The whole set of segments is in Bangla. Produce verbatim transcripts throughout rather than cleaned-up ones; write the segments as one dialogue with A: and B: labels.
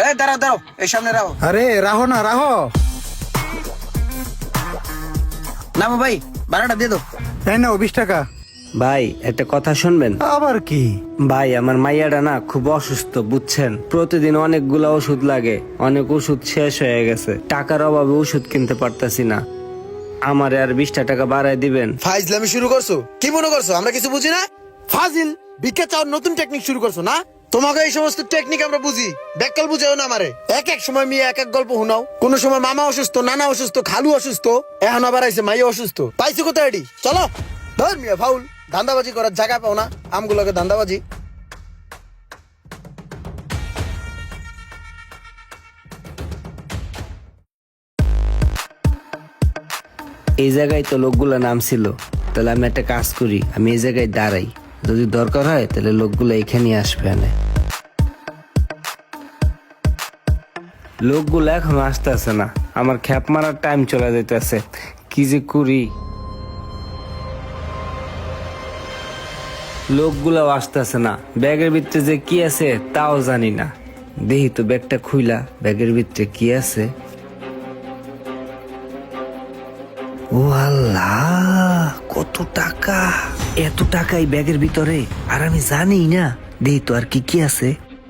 A: এই দাঁড়াও দাঁড়াও, এই সামনে রাখো।
B: আরে রাহো না রাহো।
A: নামো ভাই, ভাড়াটা দিয়ে দাও।
B: এই নাও বিশ টাকা।
C: ভাই একটা কথা শুনবেন?
B: আবার কি?
C: ভাই আমার মাইয়াটা না খুব অসুস্থ বুঝছেন, প্রতিদিন অনেকগুলা ওষুধ লাগে, অনেক ওষুধ শেষ হয়ে গেছে, টাকার অভাবে ওষুধ কিনতে পারতাছি না, আমারে আর বিশটা টাকা বাড়াই দিবেন।
D: ফাইজলামি শুরু করছো? কি মনে করছো আমরা কিছু বুঝি না? ফাজিল, ভিক্ষা চাওয়ার নতুন টেকনিক শুরু করছো না? তোমাকে এই সমস্ত টেকনিক আমরা বুঝি, ব্যাককাল বুঝাও না আমারে। এক এক সময় মেয়ে এক এক গল্প শুনাও, কোন সময় মামা অসুস্থ, নানা অসুস্থ, খালু অসুস্থ, এখন আবার আইছে মাইয়া অসুস্থ। পাইছো কোথায় এডি? চলো ধর মিয়া ফাউল, ধান্দাবাজি করার জায়গা পাও না, আমগুলোকে ধান্দাবাজি।
C: এই জায়গায় তো লোকগুলা নামছিল, তাহলে আমি একটা কাজ করি, আমি এই জায়গায় দাঁড়াই, যদি দরকার হয় তাহলে লোকগুলো এখানে আসবে। এনে লোকগুলো এখনো আসতেছে না, আমার খ্যাপ মারার টাইম চলে যাইতেছে, কি যে করি। লোকগুলাও আসতেছে না, ব্যাগের ভিতরে যে কি আছে তাও জানি না। দেখি তো ব্যাগটা খুইলা, ব্যাগের ভিতরে কি আছে। ও আল্লাহ, কত টাকা! এত টাকাই ব্যাগের ভিতরে, আর আমি জানি না। দেখি তো আর কি কি আছে।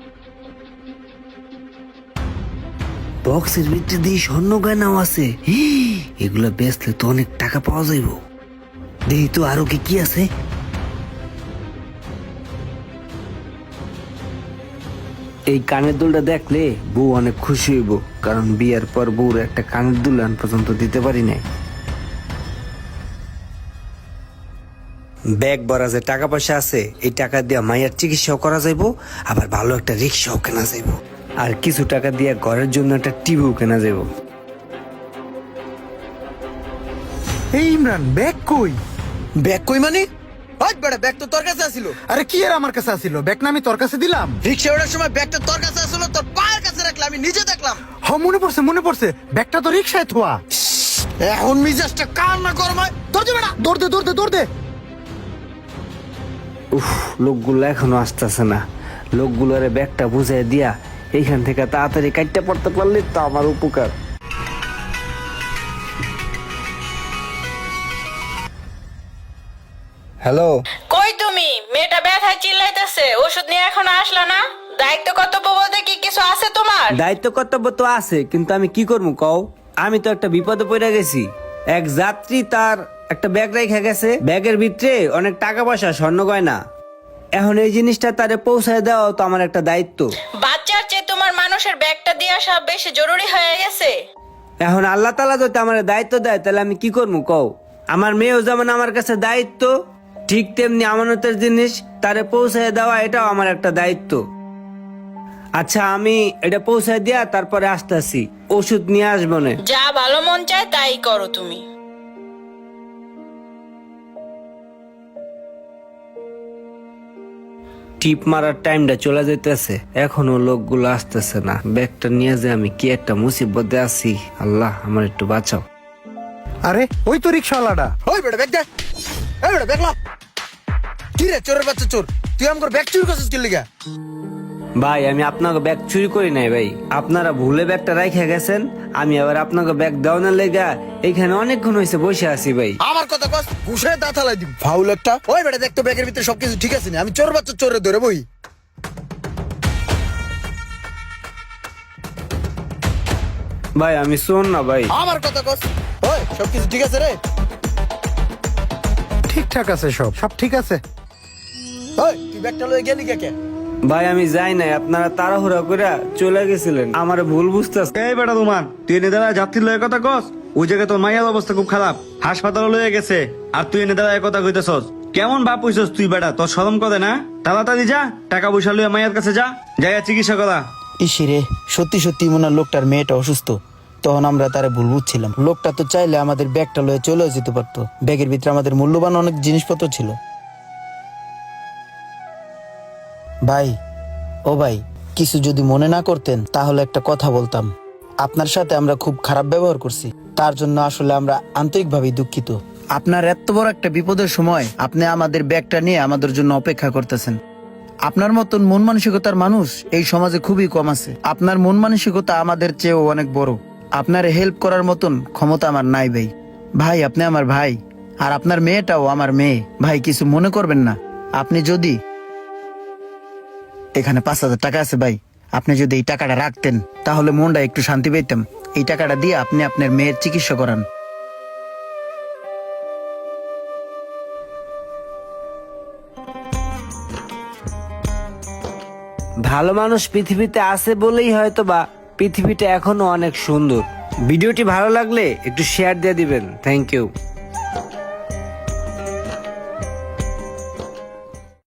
C: বক্সের ভিতরে দিয়ে স্বর্ণ গয়নাও আছে, এগুলা বেচলে তো অনেক টাকা পাওয়া যাইব। দেখি তো আরো কি কি আছে। এই কানের দুলটা দেখলে বউ অনেক খুশি হইব, কারণ বিয়ের পর বউর একটা কানের দুল আন পর্যন্ত দিতে পারি নাই। ব্যাগ ভরা যে টাকা পয়সা আছে, এই টাকা দিয়ে মায়ের চিকিৎসাও করা যাইব, আবার ভালো একটা রিক্সাও কেনা যাইব, আর কিছু টাকা দিয়ে ঘরের জন্য একটা টিভিও কেনা যাইব।
B: এই ইমরান, ব্যাগ কই?
D: ব্যাগ কই মানে? ওই বেটা, ব্যাগ তো তোর কাছে আছিল।
B: আরে কি আর আমার কাছে আসিল? ব্যাগ না আমি তোর কাছে দিলাম?
D: রিক্সা ওঠার সময় ব্যাগটা তোর কাছে আসলো, তোর পায়ের কাছে রাখলাম, আমি নিজে দেখলাম।
B: হ, মনে পড়ছে মনে পড়ছে, ব্যাগটা তো রিক্সায় থোয়া।
D: এখন মিজাজটা কার না গরমায়, ধর দে বেটা।
B: দৌড় দে দৌড় দে দৌড় দে।
C: উফ, লোকগুলো এখনো আসতেছে না, লোকগুলোরে ব্যাগটা বুঝাই দিয়া এইখান থেকে তাড়াতাড়ি কাটতে পড়তে পারলে তো আমার উপকার। হ্যালো,
E: কই তুমি? মেয়েটা ব্যথায় চিল্লাইতেছে, ওষুধ নিয়ে এখন আসলা না? দায়িত্ব কর্তব্য বলতে কি কিছু আছে তোমার?
C: দায়িত্ব কর্তব্য তো আছে, কিন্তু আমি কি করবো কও? আমি তো একটা বিপদে পড়ে গেছি। এক যাত্রী তার একটা ব্যাগ রেখে গেছে, ব্যাগের ভিতরে অনেক টাকা পয়সা, স্বর্ণ গয়না। এখন এই জিনিসটা তারে পৌঁছায় দেওয়া তো আমার একটা দায়িত্ব।
E: বাচ্চার চেয়ে তোমার মানুষের ব্যাগটা দিয়ে আসা বেশি জরুরি হয়ে গেছে।
C: এখন আল্লাহ তাআলা যদি আমার দায়িত্ব দেয়, তাহলে আমি কি করবো কও? আমার মেয়েও যেমন আমার কাছে দায়িত্ব, ঠিক তেমনি আমানতের জিনিস তারে পৌঁছায় দেওয়া এটাও আমার একটা দায়িত্ব। আচ্ছা, আমি এটা পৌঁছায় দিয়া তারপরে আসতেছি, ওষুধ নিয়ে আসবো না।
E: যা ভালো মন চায় তাই করো তুমি।
C: টিপ মারার টাইমটা চলে যেতেছে, এখনো লোকগুলো আসতেছে না। ব্যাগটা নিয়ে যে আমি কি একটা মুসিবতে আছি, আল্লাহ আমার একটু বাঁচাও।
B: আরে ওই তো রিক্সাওয়ালাটা।
D: ওই বেটা ব্যাগ দে। এই বেটা ব্যাগ লা। কি রে চোরের বাচ্চা চোর, তুই আমার ব্যাগ চুরি করছিস কি লিগা?
C: ভাই আমি আপনাকে ব্যাগ চুরি করি নাই ভাই, আপনারা ভুলে ব্যাগটা রাইখা গেছেন, আমি আবার আপনাকে ব্যাগ দেওয়ানোর লেগা এইখানে অনেকক্ষণ হয়েছে বসে আছি ভাই।
D: আমার কথা কস, ঘুষে দাঁত হালাই দিম ফাউল একটা। ওই বেটা দেখ তো ব্যাগের ভিতরে সবকিছু ঠিক আছে না? আমি চোর বাচ্চা চোরে ধরে বই।
C: ভাই আমি শোন না ভাই।
D: আমার কথা কস, ওই সবকিছু ঠিক আছে রে?
B: ঠিকঠাক আছে, সব সব ঠিক আছে।
D: ওই তুই ব্যাগটা লয়ে গেলি কে কে?
C: ভাই আমি যাই নাই, আপনারা তাড়াহুড়া করে চলে গেছিলেন, আমার ভুল বুঝতেছে।
F: এই বেটা তোমার, তুই এনে দাঁড়ায় যাত্রীর লয়ের কথা কস? ওই জায়গায় তোর মাইয়ার অবস্থা খুব খারাপ, হাসপাতালে লয়ে গেছে, আর তুই এনে দাঁড়ায় কথা কইতেছস? কেমন বাপ হইছস তুই বেটা? তোর শরম করে না? তাড়াতাড়ি যা, টাকা পয়সা লইয়া মাইয়ার কাছে যা, যাইয়া চিকিৎসা করা।
A: ইসিরে, সত্যি সত্যি মনে হয় লোকটার মেয়েটা অসুস্থ। তখন আমরা তারে ভুল বুঝছিলাম। লোকটা তো চাইলে আমাদের ব্যাগটা লয়ে চলেও যেতে পারতো, ব্যাগের ভিতরে আমাদের মূল্যবান অনেক জিনিসপত্র ছিল। ভাই, ও ভাই, কিছু যদি মনে না করতেন তাহলে একটা কথা বলতাম। আপনার সাথে আমরা খুব খারাপ ব্যবহার করছি, তার জন্য আসলে আমরা আন্তরিকভাবে দুঃখিত। আপনার এত বড় একটা বিপদের সময় আপনি আমাদের ব্যাগটা নিয়ে আমাদের জন্য অপেক্ষা করতেছেন, আপনার মতন মন মানসিকতার মানুষ এই সমাজে খুবই কম আছে। আপনার মন মানসিকতা আমাদের চেয়েও অনেক বড়। আপনার হেল্প করার মতন ক্ষমতা আমার নাই ভাই। ভাই আপনি আমার ভাই, আর আপনার মেয়েটাও আমার মেয়ে। ভাই কিছু মনে করবেন না। আপনি যদি এখানে পাঁচ হাজার টাকা আছে ভাই, আপনি যদি এই টাকাটা রাখতেন তাহলে মনটা একটু শান্তি পেতাম। এই টাকাটা দিয়ে আপনি আপনার মেয়ের চিকিৎসা করান।
C: ভালো মানুষ পৃথিবীতে আছে বলেই হয়তো বা পৃথিবীটা এখনো অনেক সুন্দর। ভিডিওটি ভালো লাগলে একটু শেয়ার দিয়ে দিবেন। Thank you.